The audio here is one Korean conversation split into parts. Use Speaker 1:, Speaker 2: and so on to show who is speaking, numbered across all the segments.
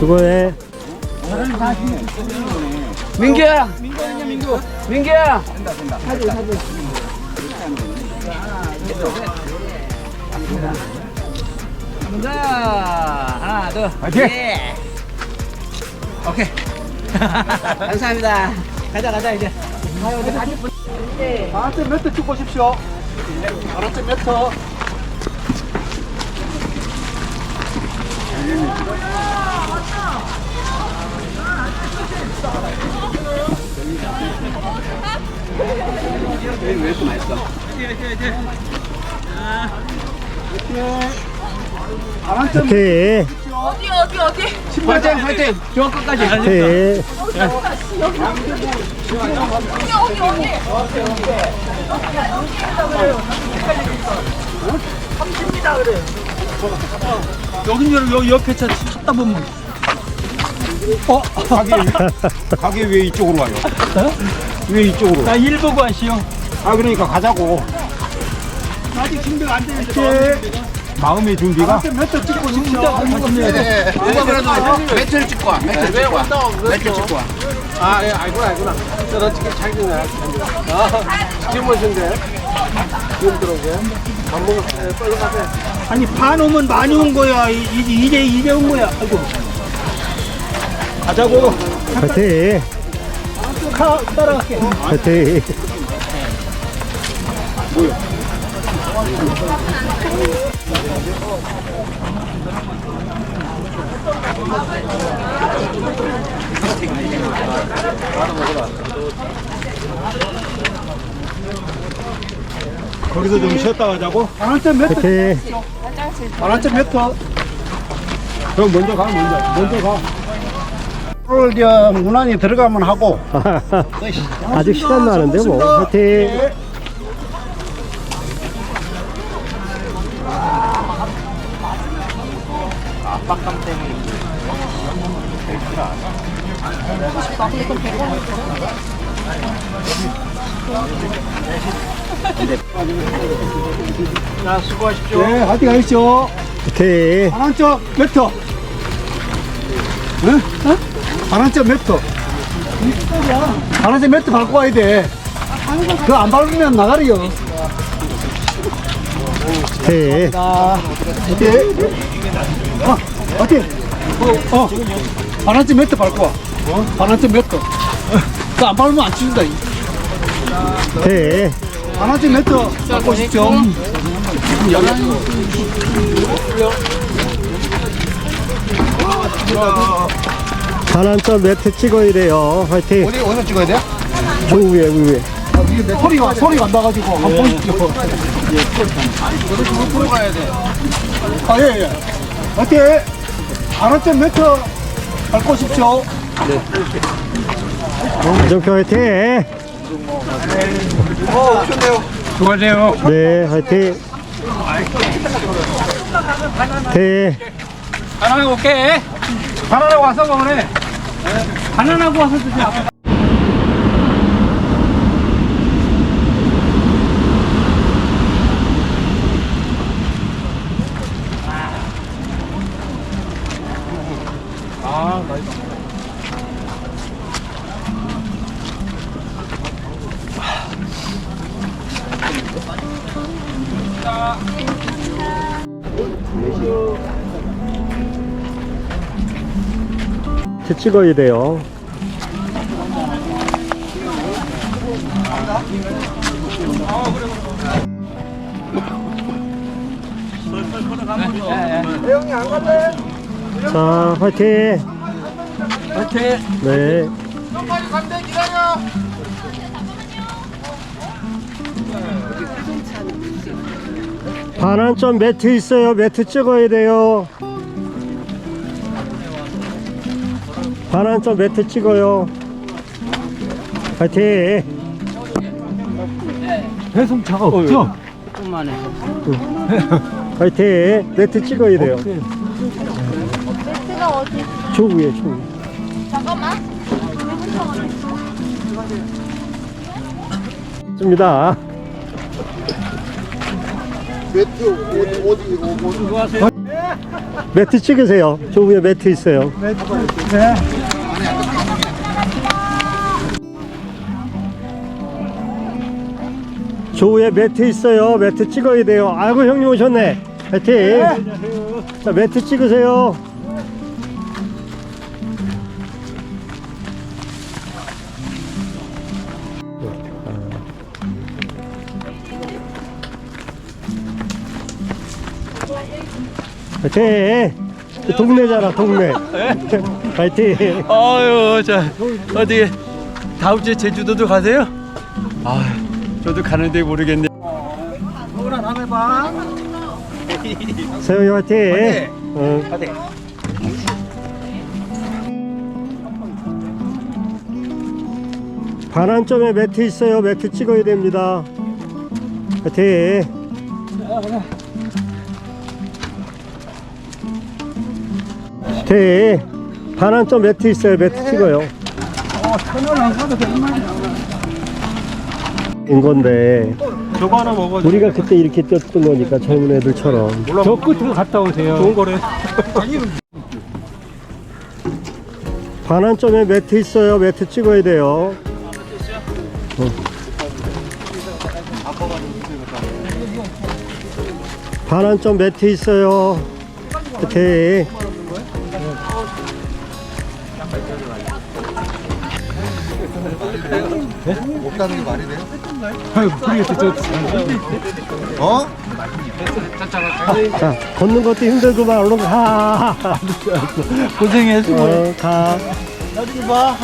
Speaker 1: 수고해.
Speaker 2: 민규야. 민규야. 사진. 자, 하나, 둘.
Speaker 3: 화이팅!
Speaker 2: 예. 오케이. 감사합니다. 가자 이제.
Speaker 3: 바람점 몇 터 찍고 오십시오. 바람점 몇 터.
Speaker 2: 왜 이렇게 맛있어?
Speaker 3: 바람점
Speaker 1: 화이팅!
Speaker 2: 화이팅, 화이팅. 저 끝까지.
Speaker 1: 화이팅!
Speaker 3: 여기 옆에 차 찾다 보면 가게 왜 이쪽으로 가요? 왜 이쪽으로? 나 일 보고 하시오. 그러니까 가자고. 아직 준비가 안 되는데. 마음의 준비가? 몇터 찍고 진짜
Speaker 2: 네. 누가 그래도 매트를 찍고 와. 매트를 찍고 와.
Speaker 3: 예, 알구나. 너 지금 자기는 지금 오신데. 지금 들어오게. 밥 먹을 때 빨리 가세요. 아니, 반 오면 많이 온 거야. 이제 온 거야. 아이고. 가자고.
Speaker 1: 화이팅!
Speaker 3: 따라갈게.
Speaker 1: 화이팅!
Speaker 3: 거기서 좀 쉬었다 가자고. 바람점 몇 터?
Speaker 1: 화이팅!
Speaker 3: 바람점 몇 터? 그럼 먼저 가. 오늘 문 안에 들어가면 하고.
Speaker 1: 아직 시간 나는데 뭐. 화이팅!
Speaker 3: 자, 수고하십시오. 네, 화이팅 하십시오.
Speaker 1: 화이팅!
Speaker 3: 바람점 몇 터? 응? 바람점 몇 터? 바람점 몇 터 밟고 가야 돼. 그거 안 밟으면 나가리요.
Speaker 1: 화이팅!
Speaker 3: 화이팅! 바람점 몇 터 밟고 와. 바람점 몇 터? 그거 안 밟으면 안 치준다.
Speaker 1: 화이팅!
Speaker 3: 바람점 몇 터 밟고 오십시오.
Speaker 1: 반환점 매트 찍어야 돼요. 화이팅!
Speaker 3: 어디서 찍어야 돼?
Speaker 1: 저 위에.
Speaker 3: 소리가 안 나가지고 한번 보십시오.
Speaker 2: 들어가야 돼.
Speaker 3: 예. 화이팅! 바람점 몇 터 밟고 오십시오.
Speaker 1: 정표 화이팅!
Speaker 3: 수고하세요.
Speaker 1: 네, 화이팅! 화이팅!
Speaker 3: 바나나 올게. 바나나 와서 먹으래. 바나나고 와서 드세요.
Speaker 1: 찍어야 돼요.
Speaker 3: 형이 안 갈래?
Speaker 1: 자, 화이팅!
Speaker 3: 화이팅!
Speaker 1: 네.
Speaker 3: 빨리 간대 기다려.
Speaker 1: 반환점 매트 있어요. 매트 찍어야 돼요. 반환점 매트 찍어요. 화이팅!
Speaker 3: 배송차가 없죠?
Speaker 2: 조금만 해.
Speaker 1: 화이팅! 매트 찍어야 돼요.
Speaker 4: 매트가 어디?
Speaker 1: 저 위에.
Speaker 4: 잠깐만.
Speaker 1: 씁니다.
Speaker 3: 매트 어디
Speaker 2: 수고하세요.
Speaker 3: 네.
Speaker 1: 매트 찍으세요. 저 위에 매트 있어요.
Speaker 3: 네.
Speaker 1: 저 위에 매트 있어요. 매트 찍어야 돼요. 아이고 형님 오셨네. 파이팅. 자 매트 찍으세요. 파이팅. 동네잖아 동네. 파이팅.
Speaker 5: 아유, 자 어디 다음 주에 제주도도 가세요? 아, 저도 가는데 모르겠네.
Speaker 3: 오라 다음에 봐.
Speaker 1: 세영이 화이팅! 응. 반환점에 매트 있어요. 매트 찍어야 됩니다. 화이팅! 화이팅! 반환점 매트 있어요. 매트 찍어요.
Speaker 3: 터널 안 가도 되는 말이야.
Speaker 1: 인 건데
Speaker 3: 저거 하나 먹어.
Speaker 1: 우리가 그때 이렇게 뛰었던 거니까 젊은 애들처럼.
Speaker 3: 저 끝으로 갔다 오세요. 좋은 거래.
Speaker 1: 반환점에 매트 있어요. 매트 찍어야 돼요. 반환점 매트 있어요. 오케이.
Speaker 2: 못 가는 게 말이 돼요?
Speaker 3: 아유, 모르겠어.
Speaker 2: 어?
Speaker 1: 자, 걷는 것도 힘들구만. 얼른 가.
Speaker 3: 고생했어.
Speaker 1: 가.
Speaker 3: 나중에 봐.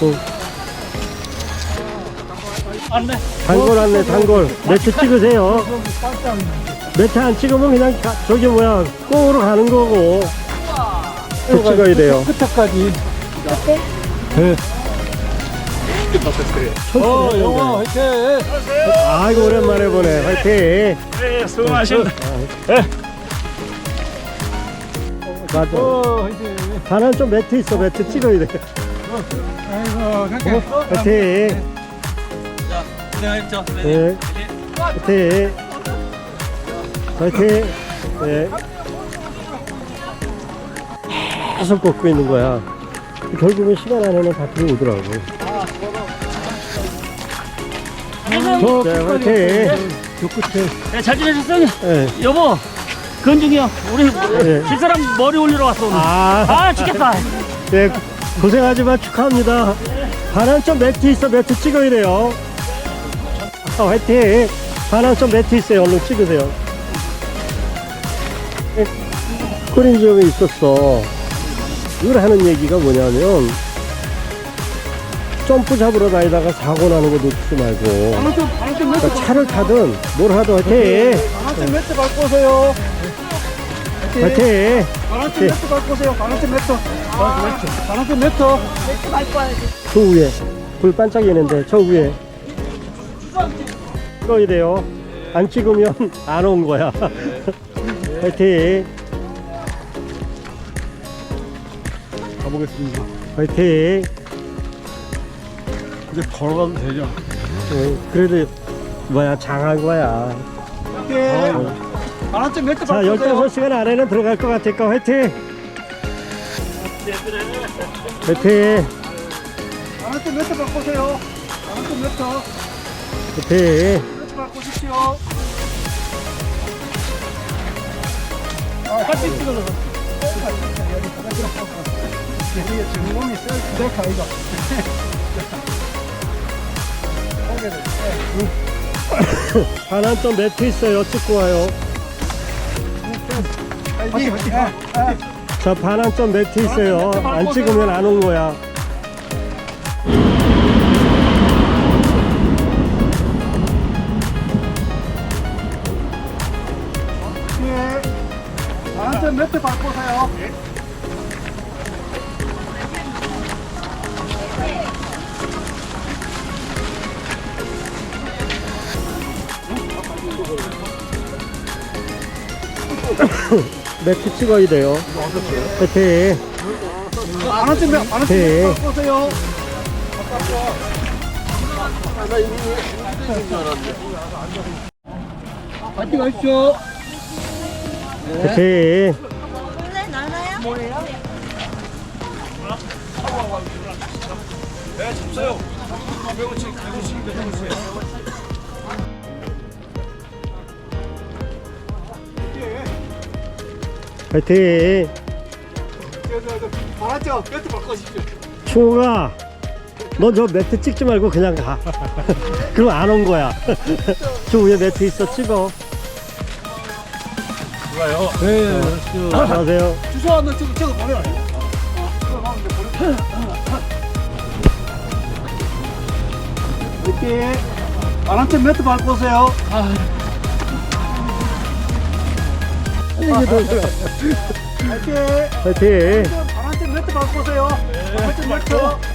Speaker 3: 안돼.
Speaker 1: 단골 왔네, 단골. 매트 찍으세요. 매트 안 찍으면 그냥 저기 뭐야, 꼬으로 가는 거고. 또 찍어야 돼요.
Speaker 3: 끝에까지.
Speaker 1: 네.
Speaker 3: 영화 화이팅.
Speaker 1: 아이고, 오랜만에 보네. 화이팅.
Speaker 3: 네, 수고하셨습니다.
Speaker 1: 맞아.
Speaker 3: 화이팅.
Speaker 1: 반환점 매트 있어. 매트 찍어야 돼.
Speaker 3: 아이고, 갈게.
Speaker 1: 화이팅.
Speaker 5: 고생하셨죠?
Speaker 1: 네. 화이팅. 화이팅. 네. 계속 걷고 있는 거야. 결국은 시간 안에는 다 들어오더라고. 네, 화이팅. 저 끝에.
Speaker 6: 네, 잘 지내셨어요?
Speaker 1: 네.
Speaker 6: 여보, 건중이 형, 우리
Speaker 1: 네.
Speaker 6: 집사람 머리 올리러 왔어 오늘.
Speaker 1: 아,
Speaker 6: 죽겠다.
Speaker 1: 네, 고생하지만 축하합니다. 반환점 매트 있어. 매트 찍어야 돼요. 화이팅. 반환점 매트 있어요. 얼른 찍으세요. 코린 지역에 있었어. 이걸 하는 얘기가 뭐냐면 점프 잡으러 다니다가 사고 나는 거 놓치지 말고 그러니까 차를 타든 뭘 하든 화이팅.
Speaker 3: 반환점 매트 밟고 오세요.
Speaker 1: 화이팅.
Speaker 3: 반환점 매트 밟고 오세요. 반환점 매트. 반환점 매트.
Speaker 1: 저 위에 불 반짝이는데 저 위에 찍어야 돼요. 안 찍으면 안 온 거야. 화이팅.
Speaker 3: 가보겠습니다.
Speaker 1: 화이팅.
Speaker 3: 이제 걸어가도 되죠?
Speaker 1: 그래도 뭐야 장한 거야.
Speaker 3: 화이팅. 반환점 매트
Speaker 1: 자,
Speaker 3: 밟고 오세요.
Speaker 1: 15시간 안에는 들어갈 것 같으니까 화이팅. 화이팅.
Speaker 3: 반환점 매트 밟고 오세요. 반환점 매트.
Speaker 1: 화이팅.
Speaker 3: 매트 밟고 오십시오. 같이 찍어서. 이게 지금 몸이 셀카 이거.
Speaker 1: 반환점 매트 있어요. 찍고 와요.
Speaker 3: 화이팅.
Speaker 1: 자, 반환점 매트 있어요. 안 찍으면 안 온 거야.
Speaker 3: 반환점 매트 밟고 오세요.
Speaker 1: 매트 찍어야 돼요. 화이팅.
Speaker 3: 반환점 매트
Speaker 1: 화이팅.
Speaker 3: 밟고 오세요. 파이팅 하십시오.
Speaker 1: 화이팅. 화이팅!
Speaker 3: 알았죠? 매트 바꿔주십시오.
Speaker 1: 충우가 너 저 매트 찍지 말고 그냥 가. 그럼 안 온 거야. 저 위에 매트 있어 찍어. 좋아요. 네. 안녕하세요.
Speaker 3: 주소 한번 저거 보내라. 이렇게 바람점 매트 밟고 오세요. 화이팅!
Speaker 1: 화이팅!
Speaker 3: 바람점 매트 밟고 오세요. 바람점 매트.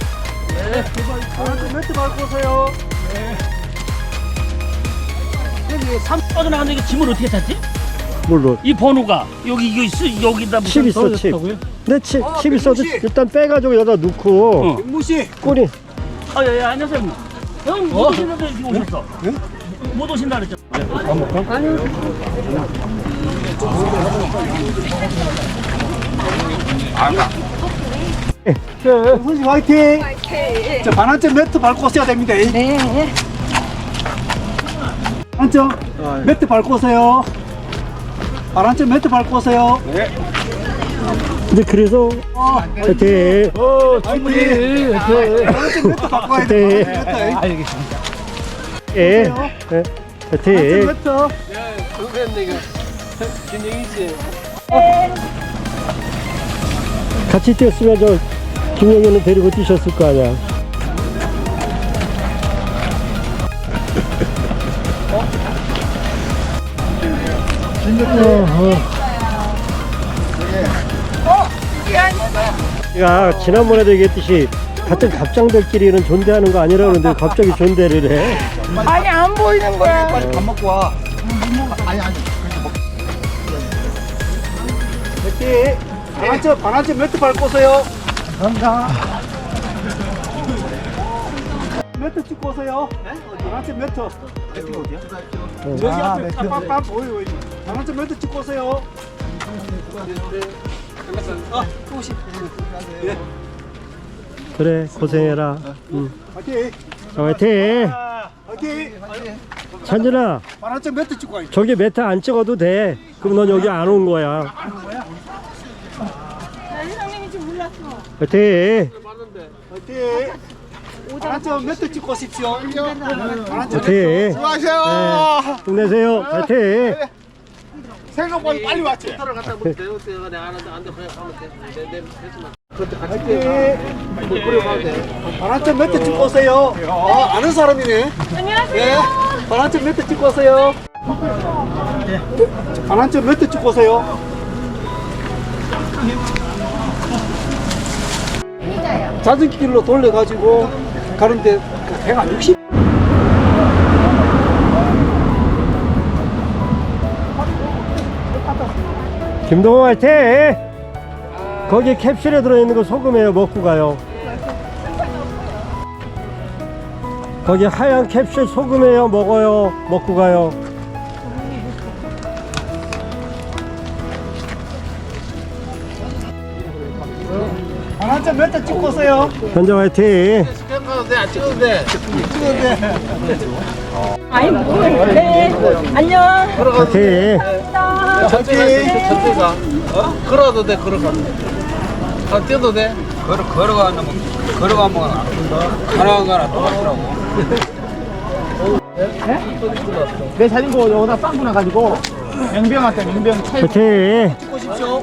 Speaker 3: 바람점 매트 밟고 오세요.
Speaker 6: 여기 3 빠져나가는데 이게 짐을 어떻게 찾지?
Speaker 1: 뭘로?
Speaker 6: 이 번호가 여기 이거 있어 여기다 무슨
Speaker 1: 칩 있어 칩. 근데 칩 있어도 일단 빼가지고 여기다 넣고
Speaker 3: 무시.
Speaker 1: 꼬리.
Speaker 6: 예, 안녕하세요. 형, 못 오신다고 이렇게 오셨어. 못 오신다 그랬죠.
Speaker 3: 무시 화이팅! 자, 반환점 매트 밟고 오셔야 됩니다. 네. 반환점 매트 밟고 오세요. 반환점 매트 밟고 오세요.
Speaker 1: 근데 그래서 화이팅!
Speaker 3: 화이팅! 반환점 매트 밟고 와야 돼. 반환점 매트.
Speaker 1: 예.
Speaker 3: 반환점
Speaker 1: 화이팅!
Speaker 3: 매트.
Speaker 1: 같이 뛰었으면 저 김영현은 데리고 뛰셨을 거 아니야. 야, 지난번에도 얘기했듯이 같은 갑장들끼리는 존대하는 거 아니라 그러는데 갑자기 존대를 해.
Speaker 4: 아니 안 보이는 거야.
Speaker 3: 빨리 밥 먹고 와. 화이팅! 반환점 매트 밟고 오세요. 감사합니다. 매트 찍고 오세요. 반환점 매트. 여기 앞에 빡빡 보여요. 반환점 매트 찍고 오세요.
Speaker 1: 그래, 고생해라.
Speaker 3: 화이팅!
Speaker 1: 자, 화이팅!
Speaker 3: 화이팅!
Speaker 1: 찬준아,
Speaker 3: 반환점 매트 찍고 와야지.
Speaker 1: 저기 매트 안 찍어도 돼. 그럼 넌 여기 안 온 거야.
Speaker 4: 회장님이 지금 몰랐어.
Speaker 1: 화이팅!
Speaker 3: 화이팅! 반환점 매트 찍고 오십시오. 반환점
Speaker 1: 화이팅!
Speaker 2: 수고하세요.
Speaker 1: 네, 힘내세요. 화이팅!
Speaker 2: 생각보다 빨리 왔지.
Speaker 3: 화이팅! 반환점 매트 찍고 오세요. 아는 사람이네.
Speaker 4: 안녕하세요.
Speaker 3: 반환점 매트 찍고 오세요. 반환점 매트 찍고 오세요. 자전길로 돌려가지고 가는데 배가 60.
Speaker 1: 김동호 화이팅! 거기 캡슐에 들어있는 거 소금이에요. 먹고 가요. 거기 하얀 캡슐 소금이에요. 먹어요. 먹고 가요.
Speaker 3: 반환점 매트 찍고 오세요.
Speaker 1: 현장 화이팅!
Speaker 4: 아니 뭐? 네. 안녕.
Speaker 1: 화이팅!
Speaker 2: 걸어도 돼, 걸어가. 뛰어도 돼. 걸어가면 가는 거랑 똑같더라고.
Speaker 3: 내 자전거 여기다 빵꾸 나가지고 맹병한테 맹병 차에
Speaker 1: 화이팅!
Speaker 3: 찍고 오십시오.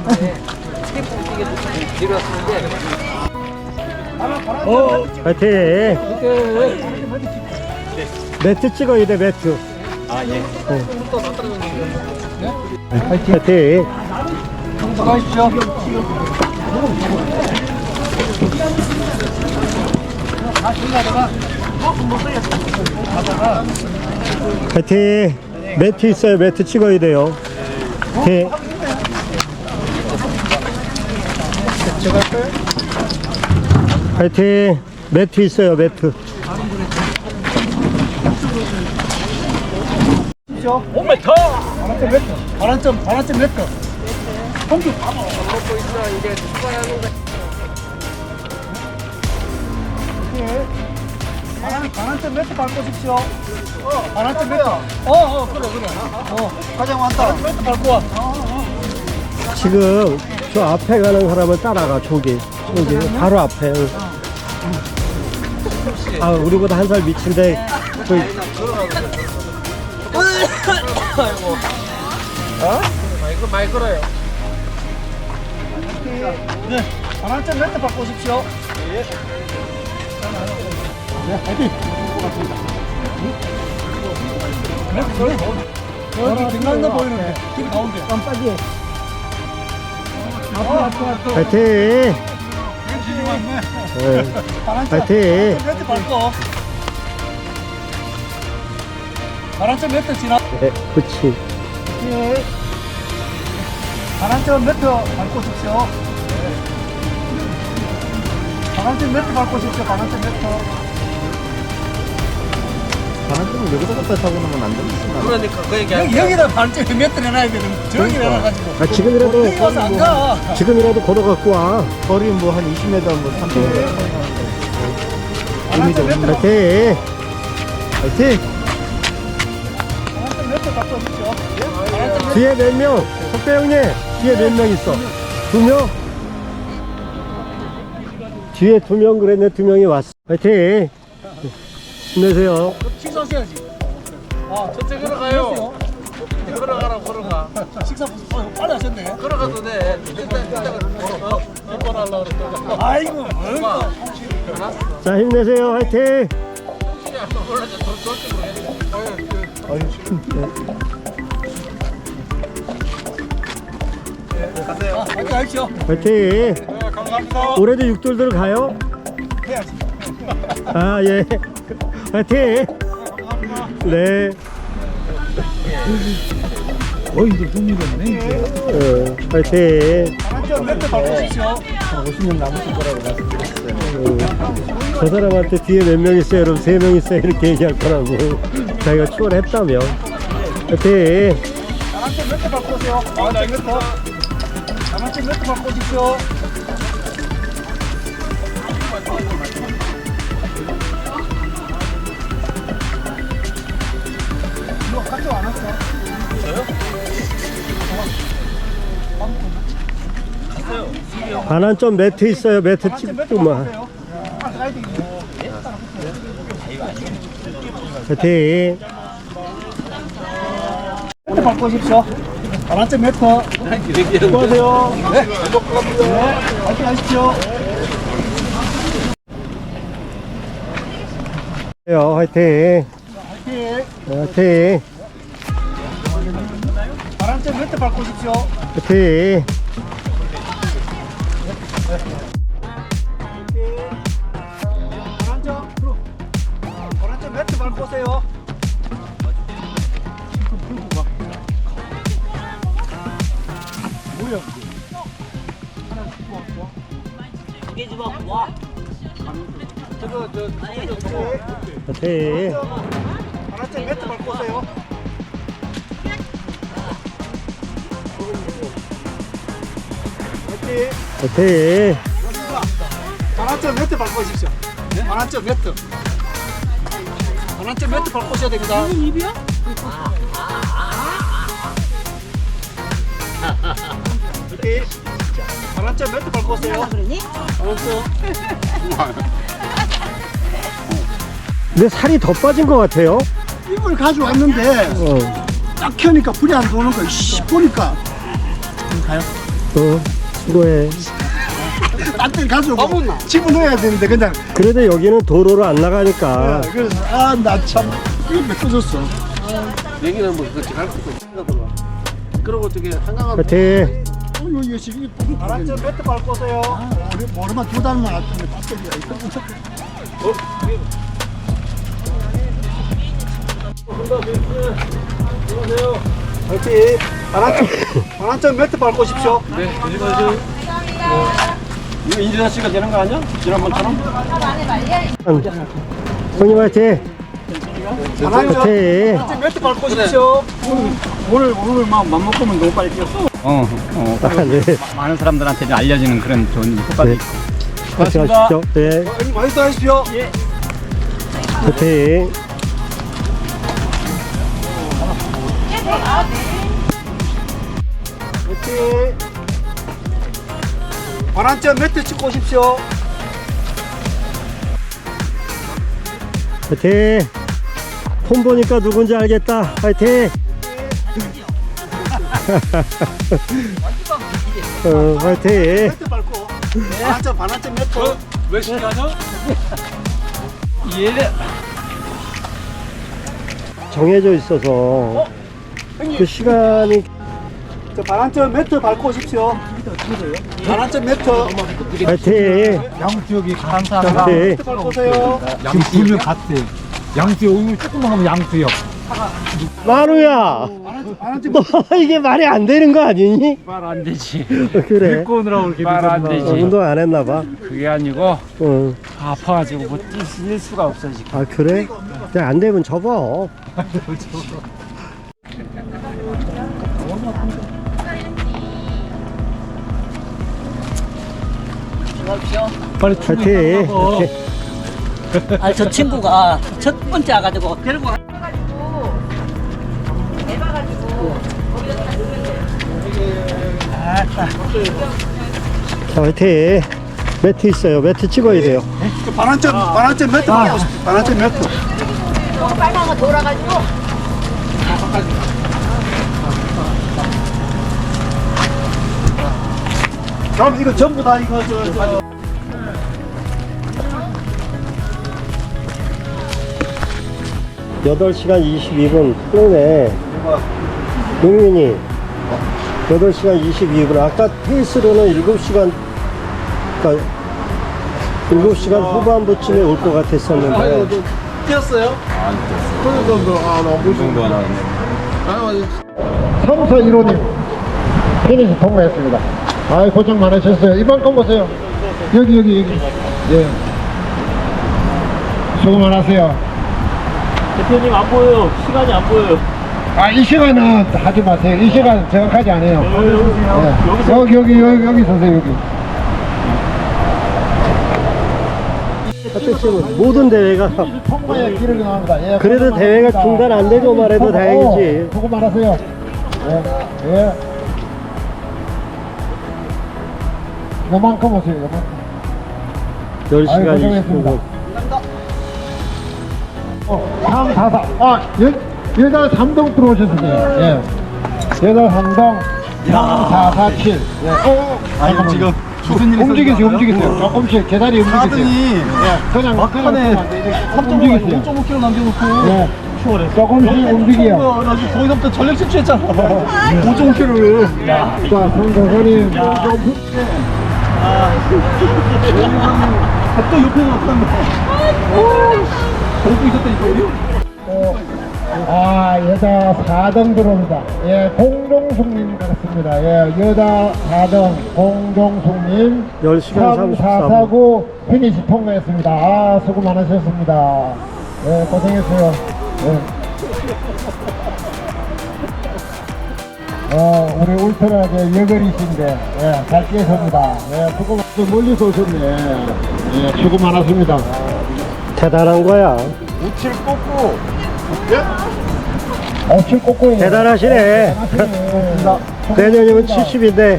Speaker 1: 화이팅! 매트 찍어야 돼, 매트. 화이팅!
Speaker 3: 수고하십시오.
Speaker 1: 화이팅! 매트 있어요. 매트 찍어야 돼요. 화이팅! 화이팅! 매트 있어요. 매트.
Speaker 6: 5m.
Speaker 3: 반환점 매트. 반환점 매트. 반환점 매트 밟고십시오. 반환점 매트. 그래. 가장 많다. 매트 밟고 와.
Speaker 1: 지금 저 앞에 가는 사람을 따라가. 저기 바로 앞에. 아, 우리보다 한 살 밑인데
Speaker 3: 이거 많이 걸어요. 네. 반환점 매트 밟고십시오. 여기 등간도 보이는데 길 가운데 깜빡이.
Speaker 1: 파이팅! 네. 파이팅!
Speaker 3: 매트 밟고. 반환점 매트 지나.
Speaker 1: 네, 그치.
Speaker 3: 예. 반환점 매트 밟고 싶시오. 반환점 매트 밟고 싶시오. 반환점 매트.
Speaker 2: 바람은 여기서 갖다 타고 놓으면 안 되겠구나.
Speaker 3: 그러니까 그 얘기. 여기다 반환점 매트 내놔야 되는. 저기 내놔가지고.
Speaker 1: 아, 지금이라도
Speaker 3: 여기 와서 안 가.
Speaker 1: 지금이라도 걸어갖고 와.
Speaker 2: 거리 뭐 한 20m, 뭐 30m.
Speaker 3: 반환점 매트.
Speaker 1: 파이팅!
Speaker 2: 파이팅!
Speaker 3: 반환점 매트 밟고 싶시오.
Speaker 1: 뒤에 몇 명? 석배 형님, 뒤에 몇 명 있어? 2명? 뒤에 2명 그랬네. 2명이 왔어. 파이팅! 힘내세요.
Speaker 3: 식사하셔야지. 저쪽으로 가요. 걸어가. 식사 빨리 하셨네. 걸어가도 돼. 아이고, 뭘까.
Speaker 1: 자, 힘내세요. 파이팅!
Speaker 3: 가세요. 파이팅 하십시오.
Speaker 1: 파이팅!
Speaker 3: 감사합니다.
Speaker 1: 올해도 육돌들 가요?
Speaker 3: 해야지.
Speaker 1: 아, 예. 파이팅! 네.
Speaker 3: 이제 흥미롭네.
Speaker 1: 파이팅!
Speaker 3: 반환점 매트 밟고 싶시오.
Speaker 2: 50년 남으신 거라고 말씀드렸어요.
Speaker 1: 저 사람한테 뒤에 몇 명 있어요? 여러분 3명 있어요? 이렇게 얘기할 거라고. 자기가 추월했다며. 파이팅!
Speaker 3: 반환점 매트 밟고 오세요. 반환점 매트. 반환점 매트 밟고 오십시오. 이거 가져 안 왔어?
Speaker 1: 반환점 매트 있어요. 매트 찍고만. 파이팅!
Speaker 3: 매트 밟고 오십시오. 반환점 매트. 수고하세요. 네. 네. 파이팅 하십시오.
Speaker 1: 화이팅!
Speaker 3: 파이팅.
Speaker 1: 화이팅!
Speaker 3: 반환점 매트 밟고 오십시오.
Speaker 1: 화이팅!
Speaker 3: 반환점 매트 밟고 오세요. 뭐야?
Speaker 6: 두개 집어. 와.
Speaker 1: 화이팅!
Speaker 3: 반환점 매트 밟고 오세요. 화이팅.
Speaker 1: 화이팅!
Speaker 3: 반환점 매트 밟고 오십시오. 반환점 매트. 반환점 매트 밟고 오셔야 됩니다.
Speaker 4: 입이야?
Speaker 3: 화이팅. 반환점 매트 밟고 오세요.
Speaker 4: 그러니?
Speaker 3: 알았어.
Speaker 1: 근데 살이 더 빠진 것 같아요.
Speaker 3: 이걸 가져왔는데
Speaker 1: 어,
Speaker 3: 딱 켜니까 불이 안 도는 거야. 보니까.
Speaker 1: 수고해.
Speaker 3: 딴데 가지고 집어넣어야 되는데 그냥.
Speaker 1: 그래도 여기는 도로로 안 나가니까.
Speaker 3: 그래서 나 참 이거 메꿔줬어.
Speaker 2: 여기는 뭐 그거 갈 것도 없어. 그러고 저기 한강은
Speaker 1: 화이팅!
Speaker 3: 이거 지금 반환점 매트 밟고 오세요. 우리 머리만 2달만 왔더니 배터리가 있어. 화이팅! 반환점 매트 밟고 오십시오.
Speaker 5: 네, 조심하세요. 이거 인진아 씨가 되는 거 아니야? 지난번처럼?
Speaker 1: 형님 화이팅!
Speaker 3: 반환점
Speaker 1: 화이팅!
Speaker 3: 매트 밟고 오십시오.
Speaker 5: 오늘 맘 먹으면 너무 빨리 뛰었어.
Speaker 1: 아, 네.
Speaker 5: 많은 사람들한테 좀 알려지는 그런 좋은 효과도
Speaker 1: 네.
Speaker 5: 있고.
Speaker 1: 같이 가시죠. 네.
Speaker 3: 많이 따십시오.
Speaker 1: 화이팅.
Speaker 3: 오케이. 반환점 매트 찍고 오십시오.
Speaker 1: 화이팅. 폰 보니까 누군지 알겠다. 화이팅. 화이팅.
Speaker 3: 매트 밟고. 반환점 매트.
Speaker 5: 왜 시켜죠? 예.
Speaker 1: 정해져 있어서 그 시간이
Speaker 3: 저 반환점 매트 밟고 오십시오. 반환점 매트.
Speaker 1: 화이팅.
Speaker 7: 양수역이
Speaker 1: 화이팅.
Speaker 3: 매트 밟고 오세요.
Speaker 7: 지금 불면 갔어요. 양수역 오늘 조금만 가면 양수역.
Speaker 1: 마루야.
Speaker 3: 반환점
Speaker 1: 너 이게 말이 안 되는 거 아니니?
Speaker 5: 말 안 되지.
Speaker 1: 그래.
Speaker 7: 데리고 오느라고 이렇게
Speaker 5: 말 안
Speaker 7: 늦었나.
Speaker 5: 되지.
Speaker 1: 운동 안 했나 봐.
Speaker 5: 그게 아니고
Speaker 1: 응.
Speaker 5: 아파가지고 뭐 뛸 수가 없어 지금.
Speaker 1: 아 그래? 그냥 안 되면 접어.
Speaker 7: 빨리
Speaker 1: 화이팅.
Speaker 6: 아, 저 친구가 첫 번째 와가지고 데리고
Speaker 1: 자 화이팅. 매트 있어요. 매트 찍어야 돼요.
Speaker 3: 반환점 매트 밟고 오십시오. 반환점 매트.
Speaker 4: 빨간 거 돌아가지고.
Speaker 3: 그럼 이거 전부 다 이거 저
Speaker 1: 8시간 22분 그러네. 용민이 8시간 22분. 아까 페이스로는 7시간, 그러니까 7시간 후반부쯤에 올 것 같았었는데.
Speaker 3: 뛰었어요?
Speaker 8: 3사 1호님 피니시 통과했습니다. 아이 고생 많으셨어요. 이번 건 보세요. 여기 예. 수고 많으세요.
Speaker 6: 대표님 안 보여요. 시간이 안 보여요.
Speaker 8: 아 이 시간은 하지 마세요. 이 시간 정확하지 않아요. 예. 여기 서세요. 여기.
Speaker 1: 하여튼 모든 대회가
Speaker 8: 통과에 길을 나옵니다. 예,
Speaker 1: 그래도
Speaker 8: 고생
Speaker 1: 대회가
Speaker 8: 많으십니다.
Speaker 1: 중단 안 되고 말해도 다행이지.
Speaker 8: 수고 많으세요. 예. 요만큼 오세요. 요만큼.
Speaker 1: 10시간
Speaker 8: 아유, 고생했습니다.
Speaker 1: 25분.
Speaker 8: 3, 4, 4. 아, 여자 3동 들어오셨습니다. 예. 여자 3동 3, 4, 4, 7. 예.
Speaker 7: 아니 지금 무슨 일이
Speaker 8: 움직이세요. 조금씩 제자리 움직이세요. 예. 그냥 막판에 3.5kg
Speaker 3: 5.5kg 남겨놓고
Speaker 8: 예. 조금씩 움직여.
Speaker 3: 나 지금 거기서부터 전력 질주했잖아. 5.5kg를.
Speaker 8: 자, 선생님.
Speaker 3: 또 옆에 나왔단 보고 있었다니까 우리.
Speaker 8: 아, 여자 4등 들어옵니다. 예, 공종숙님 같습니다. 예, 여자 4등 공종숙님
Speaker 1: 10시간
Speaker 8: 3, 4,
Speaker 1: 34분.
Speaker 8: 4, 9 피니시 통과했습니다. 아, 수고 많으셨습니다. 예, 고생했어요. 예. 우리 울트라의 여걸이신데, 예, 잘 뛰었습니다. 예, 수고, 멀리서 오셨네. 예, 수고 많았습니다.
Speaker 1: 대단한 거야.
Speaker 8: 우칠 꽂고, 우칠 꽂고.
Speaker 1: 대단하시네. 내년이면 70인데.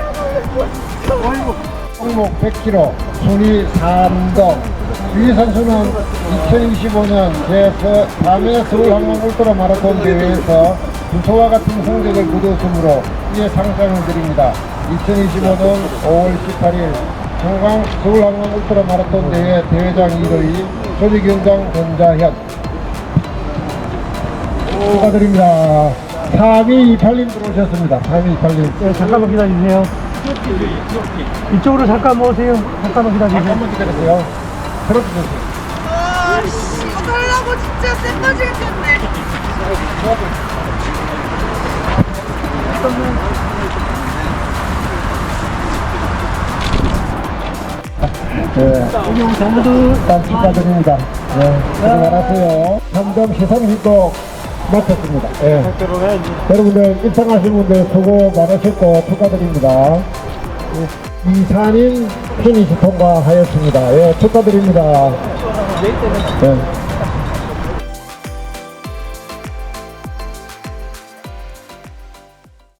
Speaker 8: 종목 100kg, 순위 3등. 위 선수는 2025년 제4회 서울항공 울트라 마라톤 대회에서 주소와 같은 성적을 거뒀으므로 이에 상장을 드립니다. 2025년 5월 18일 청강 서울항공 울트라 마라톤 대회 대회장 1위 조직위원장 권자현 축하드립니다. 3228님 들어오셨습니다. 3228님.
Speaker 1: 네, 잠깐만 기다리세요. 이쪽으로 잠깐 오세요. 잠깐만 기다리세요.
Speaker 8: 잠깐만 기다리세요. 들어주세요.
Speaker 4: 아씨, 이거 달라고 진짜 쎄 빠지겠네.
Speaker 8: 전부들 축하드립니다. 네, 수고 많았어요. 3점 시상식도 마쳤습니다. 예. 여러분들 입상하신 분들 수고 많으셨고 축하드립니다. 이산인 피니시 통과하였습니다. 예, 축하드립니다. 예.